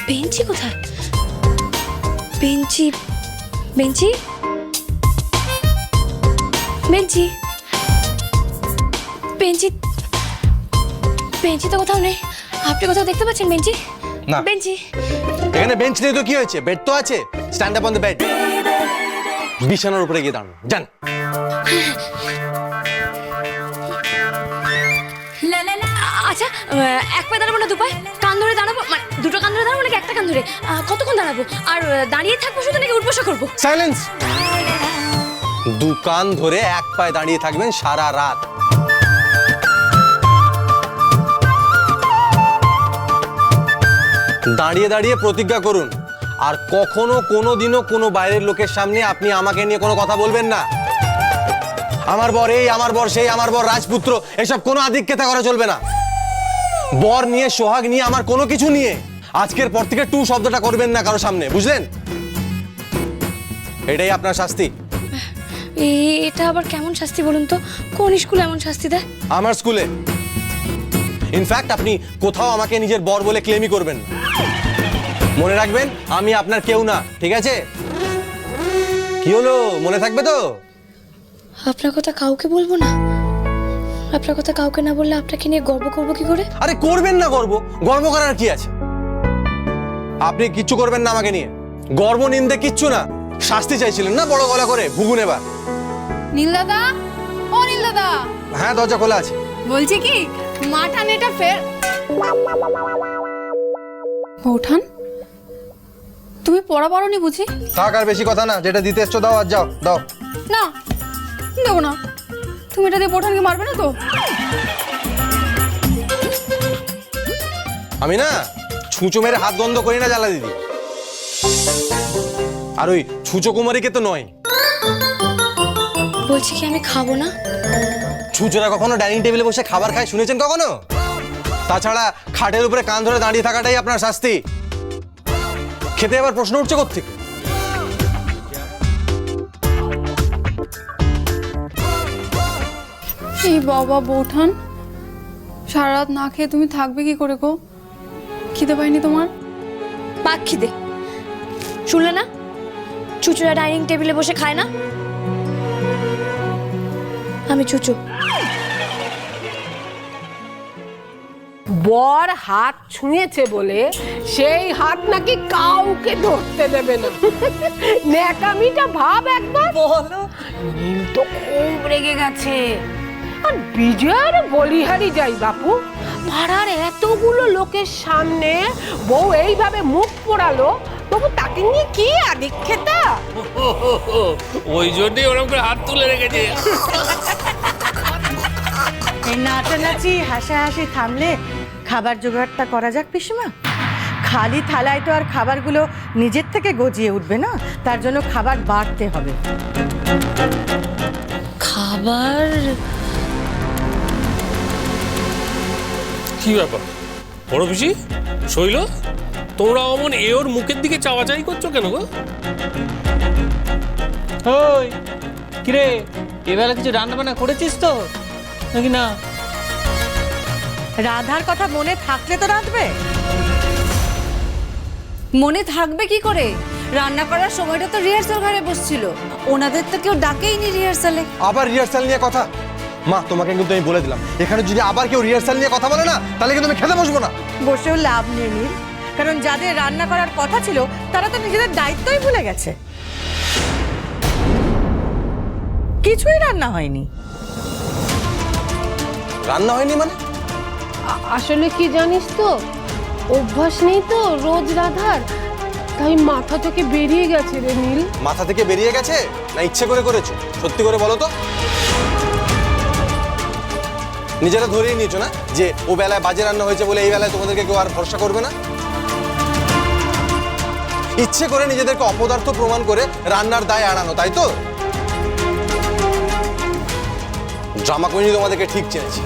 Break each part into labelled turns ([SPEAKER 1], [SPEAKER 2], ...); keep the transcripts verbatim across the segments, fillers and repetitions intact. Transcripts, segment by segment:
[SPEAKER 1] বেঞ্চি কোথায়? বেঞ্চি বেঞ্চি বেঞ্চি বেঞ্চি বেঞ্চি তো কোথাও নেই। আপনি কোথাও দেখতে পাচ্ছেন বেঞ্চি?
[SPEAKER 2] না।
[SPEAKER 1] বেঞ্চি
[SPEAKER 2] এখানে বেঞ্চ নেই তো কি হয়েছে? বেড তো আছে। Stand up on the bed. বিছানার উপরে গিয়ে দাঁড়ান। যান।
[SPEAKER 1] আচ্ছা, এক পায়ে দাঁড়াবো না দু পায়ে? কান ধরে দাঁড়াবো, মানে দুটো কান ধরে দাঁড়াবো নাকি একটা কান ধরে? কতক্ষণ দাঁড়াবো? আর দাঁড়িয়ে থাকবো শুধু নাকি উঠবসা করবো?
[SPEAKER 2] সাইলেন্স। দু কান ধরে এক পায়ে দাঁড়িয়ে থাকবেন সারা রাত। দাঁড়িয়ে দাঁড়িয়ে প্রতিজ্ঞা করুন, আর কখনো কোনো দিনও কোনো বাইরের লোকের সামনে আপনি আমাকে নিয়ে কোনো কথা বলবেন না। আমার বর এই, আমার বর সেই, আমার বর রাজপুত্র, এসব কোনো আধিক্যতা করা চলবে না। বর নিয়ে, সোহাগ নিয়ে, আমার কোনো কিছু নিয়ে আজকের পর থেকে টু শব্দটা করবেন না কারো সামনে, বুঝলেন? এটাই আপনার শাস্তি।
[SPEAKER 1] এটা আবার কেমন শাস্তি বলুন তো? কোন স্কুলে এমন শাস্তি দেয়?
[SPEAKER 2] আমার স্কুলে। ইনফ্যাক্ট আপনি কোথাও আমাকে নিজের বর বলে ক্লেমই করবেন না। মনে রাখবেন, আমি আপনার কেউ না, ঠিক আছে? কি হলো, মনে থাকবে তো?
[SPEAKER 1] আপনার কথা কাউকে বলবো না? আপনার কথা কাউকে না বললে আপনাকে নিয়ে গর্ব করবো কি করে?
[SPEAKER 2] আরে করবেন না গর্ব, গর্ব করার কি আছে? আপনি কিচ্ছু করবেন না আমাকে নিয়ে, গর্ব নিন্দে কিচ্ছু না। শাস্তি চাইছিলেন না বড় গলা করে, ভুগুন এবার।
[SPEAKER 3] নীল দাদা, ও নীল দাদা।
[SPEAKER 2] হ্যাঁ, দরজা খোলা আছে।
[SPEAKER 3] বলছি কি, মাঠান এটা ফের। বৌঠান, তুমি পড়া পারোনি বুঝি?
[SPEAKER 2] থাক, আর বেশি কথা না, যেটা দিতে এসছো দাও, আর যাও দাও।
[SPEAKER 3] না, দেবো না। তুমি এটা দিয়ে বৌঠানকে মারবে না তো?
[SPEAKER 2] আমি না ছুঁচো মেরে হাত বন্ধ করি না জ্বালা দিদি। আর ওই ছুঁচো কুমারীকে তো নয়।
[SPEAKER 1] বলছি কি আমি খাবো না?
[SPEAKER 2] ছুঁচোরা কখনো ডাইনিং টেবিলে বসে খাবার খায় শুনেছেন কখনো? তাছাড়া খাটের উপরে কান ধরে দাঁড়িয়ে থাকাটাই আপনার শাস্তি। খেতে আবার প্রশ্ন উঠছে কোত্থেকে?
[SPEAKER 3] এই বাবা বৌঠান, সারা রাত না খেয়ে তুমি থাকবে কি করে গো? খিদে পাইনি তোমার?
[SPEAKER 1] পাক খিদে। শুনলে না, চুচুরা ডাইনিং টেবিলে বসে খায় না। আমি চুচু।
[SPEAKER 4] বর হাত ছুঁয়েছে বলে সেই হাত নাকি কাউকে ধরতে দেবে না। ন্যাকামিটা ভাব একবার। বলো, নীল তো খুব রেগে গেছে। আর বিজয়ের বলিহারি যাই বাপু, পাড়ার এতগুলো লোকের সামনে বউ এইভাবে মুখ পোড়ালো, তবু তাকে নিয়ে কি আদিক্ষেতা।
[SPEAKER 5] ওই জন্যই ওরকম করে হাত তুলে রেখেছে।
[SPEAKER 6] এই নাচানাচি হাসাহাসি থামলে খাবার জোগাড়টা করা যাক পিসিমা। খালি থালায় তো আর খাবারগুলো নিজের থেকে গজিয়ে উঠবে না, তার জন্য খাবার বাড়তে হবে।
[SPEAKER 1] খাবার?
[SPEAKER 5] কি ব্যাপার বড় পিসি, শৈল, তোমরা অমন এ ওর মুখের দিকে চাওয়াচাই করছো কেন গো?
[SPEAKER 7] ওই কিরে, এবেলা কিছু রান্না বান্না করেছিস তো নাকি না?
[SPEAKER 6] রাধার কথা মনে থাকলে তো রাঁধবে।
[SPEAKER 8] মনে থাকবে কি করে? রান্না করার সময়টা তো রিহার্সাল ঘরে বসছিল, ওনাদের তো কেউ ডাকেইনি রিহার্সালে।
[SPEAKER 2] আবার রিহার্সাল নিয়ে কথা? মা, তোমাকে কিন্তু আমি বলে দিলাম, এখানে যদি আবার কেউ রিহার্সাল নিয়ে কথা বলে না, তাহলে কিন্তু আমি খেতে বসবো না।
[SPEAKER 6] বসেও লাভ নেই নীল, কারণ যাদের রান্না করার কথা ছিল তারা তো নিজেদের দায়িত্বই ভুলে গেছে। কিছুই রান্না হয়নি।
[SPEAKER 2] রান্না হয়নি মানে?
[SPEAKER 4] আসলে কি জানিস তো, অভ্যাস নেই তো রোজ রাধার, তাই মাথা থেকে বেরিয়ে গেছে রে নীল।
[SPEAKER 2] মাথা থেকে বেরিয়ে গেছে না ইচ্ছে করে করেছো? সত্যি করে বলো তো। নিজেরা ধরেই নিয়েছো না যে ও বেলায় বাজে রান্না হয়েছে বলে এই বেলায় তোমাদেরকে কেউ আর ভরসা করবে না? ইচ্ছে করে নিজেদেরকে অপদার্থ প্রমাণ করে রান্নার দায় এড়ানো, তাই তো? ড্রামা কুইন তোমাদেরকে ঠিক চেনেছি।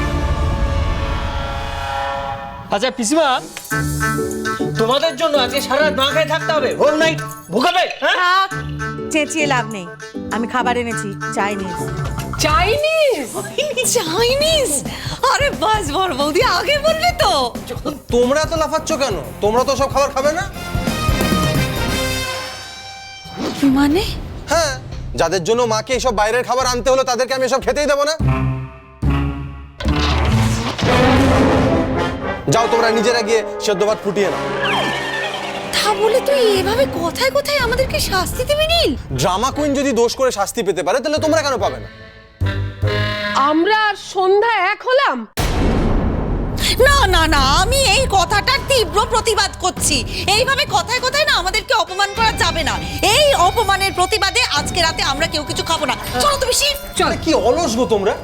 [SPEAKER 7] আচ্ছা পিসিমা, তোমাদের জন্য আজকে সারা রাত না খেয়ে থাকতে হবে, হোল নাইট ভুগাবে।
[SPEAKER 6] থাক, চেঁচিয়ে লাভ নেই। আমি খাবার এনেছি, চাইনিজ।
[SPEAKER 4] চাইনিজ?
[SPEAKER 8] চাইনিজ? আরে বাস বড় বৌদি আগে বলবি তো।
[SPEAKER 2] তোমরা তো লাফাচ্ছ কেন? তোমরা তো সব খাবার খাবে না?
[SPEAKER 8] মানে
[SPEAKER 2] হ্যাঁ, যাদের জন্য মাকে এসব বাইরের খাবার আনতে হলো তাদেরকে আমি এসব খেতেই দেবো না। যাও তোমরা নিজেরা গিয়ে সেদ্ধ ভাত ফুটিয়ে নাও।
[SPEAKER 8] তা বলে তুই এভাবে কথায় কথায় আমাদেরকে শাস্তি দিবি নীল?
[SPEAKER 2] ড্রামা কুইন যদি দোষ করে শাস্তি পেতে পারে তাহলে তোমরা কেন পাবে না?
[SPEAKER 4] আমরা আর সন্ধ্যা এক হলাম?
[SPEAKER 8] না না না, আমি এই কথাটার তীব্র প্রতিবাদ করছি। এইভাবে কথায় কথায় না আমাদেরকে অপমান করা যাবে না। এই অপমানের প্রতিবাদে আজকে রাতে আমরা কেউ কিছু খাবো না। চলো তুমি শিব।
[SPEAKER 2] আরে কি অলস গো তোমরা!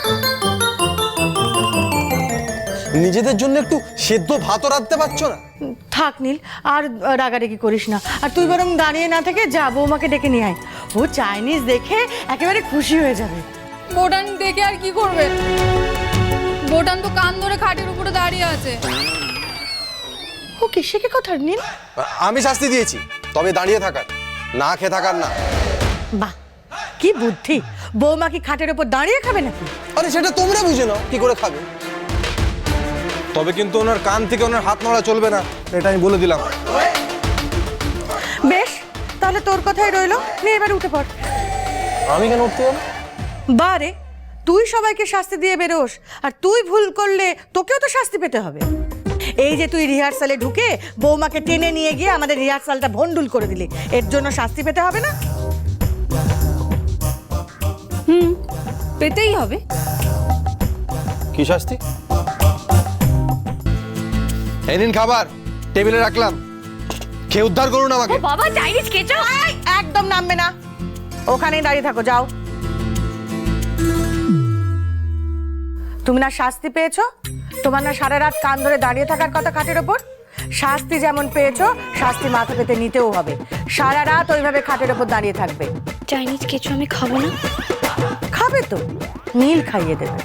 [SPEAKER 2] নিজেদের জন্য একটু সেদ্ধ ভাতও রাখতে পারছো না?
[SPEAKER 6] থাক নীল, আর রাগারাগি করিস না। আর তুই বরং দাঁড়িয়ে না থেকে যা, বৌমাকে ডেকে নিয়ে আয়। ও চাইনিজ দেখে একেবারে খুশি হয়ে যাবে।
[SPEAKER 3] বোটান দেখে আর কি করবে? বোটান তো কান ধরে খাটের উপরে দাঁড়িয়ে আছে।
[SPEAKER 6] ও কিসে কে কথা নীল?
[SPEAKER 2] আমি শাস্তি দিয়েছি, তবে দাঁড়িয়ে থাকার, না খেয়ে থাকার না।
[SPEAKER 6] বাহ, কি বুদ্ধি! বৌমা কি খাটের উপর দাঁড়িয়ে খাবে নাকি?
[SPEAKER 2] আরে সেটা তোমরা বুঝে নাও কি করে খাবে। তবে কিন্তু ওনার কান থেকে ওনার হাত নড়া চলবে না, এটা আমি বলে দিলাম।
[SPEAKER 6] বেশ, তাহলে তোর কথাই রইলো। নে এবার উঠে পড়।
[SPEAKER 2] আমি কেন উঠতে যাবো?
[SPEAKER 6] বারে, তুই সবাইকে শাস্তি দিয়ে বেরোস, আর তুই ভুল করলে তোকেও তো শাস্তি পেতে হবে। এই যে তুই রিহার্সালে ঢুকে বৌমাকে টেনে নিয়ে গিয়ে আমাদের রিহার্সালটা ভন্ডুল করে দিলি, এর জন্য শাস্তি পেতে হবে না?
[SPEAKER 8] পেতেই হবে।
[SPEAKER 2] কি শাস্তি? এই নিন খাবার, টেবিলে রাখলাম, খেয়ে উদ্ধার করুন আমাকে।
[SPEAKER 1] ও বাবা, চাইনিজ কেচাপ!
[SPEAKER 6] এই, একদম নামবে না, ওখানেই দাঁড়িয়ে থাকো, যাও। তুমি না শাস্তি পেয়েছো? তোমার না সারা রাত কান ধরে দাঁড়িয়ে থাকার কথা খাটের ওপর? শাস্তি যেমন পেয়েছো, শাস্তি মাথা পেতে নিতেও হবে। সারা রাত ওইভাবে খাটের ওপর দাঁড়িয়ে থাকবে।
[SPEAKER 1] চাইনিজ কেচাপ আমি খাবো না।
[SPEAKER 6] খাবে তো, নীল খাইয়ে দেবে।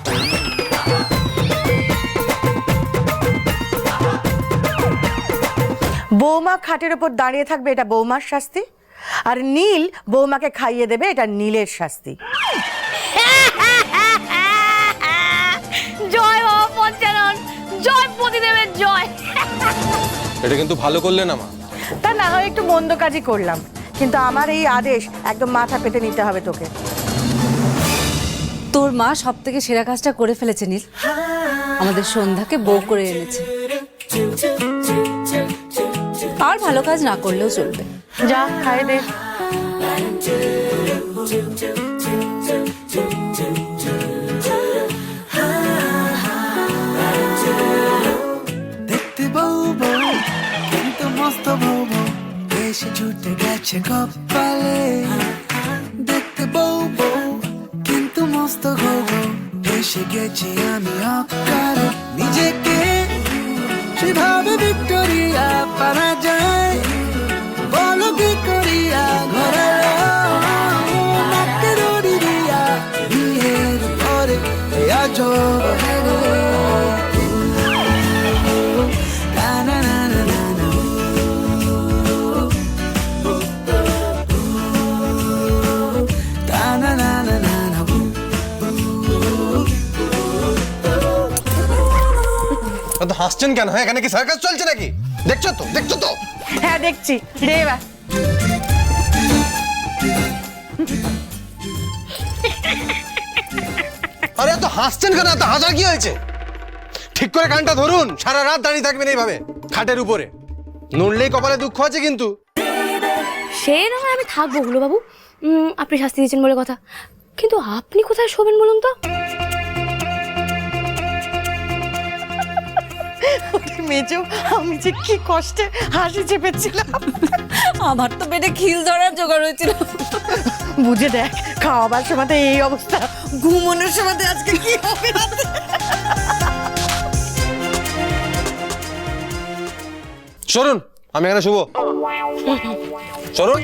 [SPEAKER 6] বৌমা খাটের ওপর দাঁড়িয়ে থাকবে, এটা বৌমার শাস্তি। আর নীল বৌমাকে খাইয়ে দেবে, এটা নীলের শাস্তি।
[SPEAKER 1] জয় বাবা পঞ্চানন, জয় পতিদেবের জয়।
[SPEAKER 2] এটা কিন্তু ভালো করলে না মা।
[SPEAKER 6] তা না হয় একটু মন্দ কাজই করলাম, কিন্তু আমার এই আদেশ একদম মাথা পেতে নিতে হবে তোকে।
[SPEAKER 8] তোর মা সব থেকে সেরা কাজটা করে ফেলেছে নীল, আমাদের সন্ধ্যাকে বউ করে এনেছে। আর ভালো কাজ না করলেও চলবে।
[SPEAKER 6] যা খাইয়ে দে।
[SPEAKER 9] দেখতে বউ বউ কিন্তু মস্ত বউ বউ এসে ছুটে গেছে কপালে। দেখতে বউ বউ কিন্তু মস্ত গো বউ এসে গেছি আমি অকারে। নিজেকে সেভাবে ভিক্টোরিয়া পারা যায়, বলো কি করিয়া ঘরে নাকে দড়ি দিয়া বিয়ের পরে আজব হয়ে গেল।
[SPEAKER 2] তো হাসছেন কেন? হ্যাঁ, এখানে কি সার্কাস চলছে নাকি? দেখছো তো, দেখছো তো।
[SPEAKER 6] হ্যাঁ দেখছি রে। এবার
[SPEAKER 2] আরে এত হাসছেন কেন? এত হাসার কি হয়েছে? ঠিক করে কানটা ধরুন, সারা রাত দাঁড়িয়ে থাকবেন এইভাবে খাটের উপরে। নড়লেই কপালে দুঃখ আছে কিন্তু।
[SPEAKER 1] সে না হয় আমি থাকবো গুলো বাবু, উম, আপনি শাস্তি দিয়েছেন বলে কথা, কিন্তু আপনি কোথায় শোবেন বলুন তো?
[SPEAKER 6] মেজো, আমি যে কি কষ্টে হাসি চেপেছিলাম।
[SPEAKER 8] আমার তো পেটে খিল ধরার জোগাড় হয়েছিল।
[SPEAKER 6] বুঝে দেখ, খাওয়াবার সময় তো এই অবস্থা,
[SPEAKER 8] ঘুমানোর সময় আজকে কি হবে?
[SPEAKER 2] সরুন, আমি এখানে শুভ। সরুন।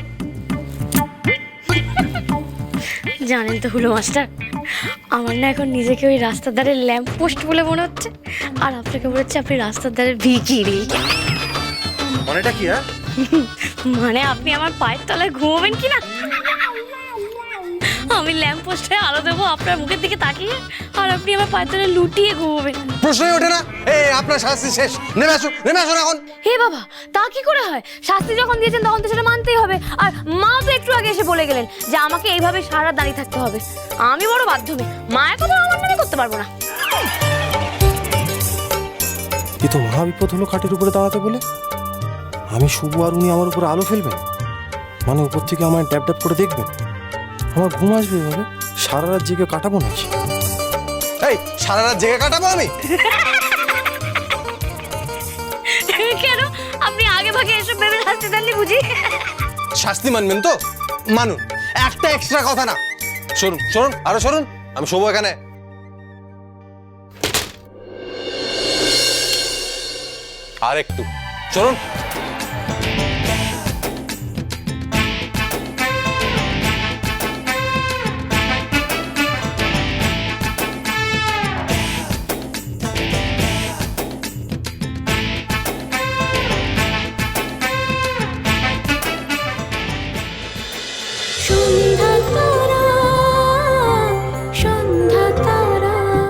[SPEAKER 1] জানেন তো হুলো মাস্টার, আমার না এখন নিজেকে ওই রাস্তার ধারে ল্যাম্প পোস্ট বলে মনে হচ্ছে, আর আপনাকে মনে হচ্ছে আপনি রাস্তার ধারে ভিখিরি।
[SPEAKER 2] মনেটা কি? হ্যাঁ,
[SPEAKER 1] মানে আপনি আমার পায়ের তলায় ঘুমাবেন কি না? আমি ল্যাম্প পোস্টে আলো দেবো আপনার মুখের দিকে তাকিয়ে, আর আপনি আমার পায়ের তলে লুটিয়ে ঘুমোবেন।
[SPEAKER 2] প্রশ্নই ওঠে না। এই আপনার শাস্তি শেষ, নেমে আসুন, নেমে আসুন এখন।
[SPEAKER 1] হে বাবা, তা কি করে হয়? শাস্তি যখন দিয়েছেন তখন তো সেটা মানতেই হবে। আর মা তো একটু আগে এসে বলে গেলেন যে আমাকে এইভাবে সারা রাত দাঁড়িয়ে থাকতে হবে। আমি বড় বাধ্য মেয়ে, মায়ের কথা আমার নামে করতে পারবো না।
[SPEAKER 2] এ তো মহা বিপদ হলো খাটের উপরে দাঁড়াতে বলে। আমি শুভ আর উনি আমার উপরে আলো ফেলবেন, মানে উপর থেকে আমায় ট্যাপ ট্যাপ করে দেখবেন। আমার ঘুম আসবে এভাবে? সারা রাত জেগে কাটাবো নাকি? এই সারা রাত জেগে কাটাবো আমি?
[SPEAKER 1] কেন, আপনি আগে ভাগে এসব ভেবে শাস্তি দেননি বুঝি?
[SPEAKER 2] শাস্তি মানবেন তো মানুন, একটা এক্সট্রা কথা না। শুনুন শুনুন আরো শুনুন, আমি শুভ এখানে। আর একটু শুনুন।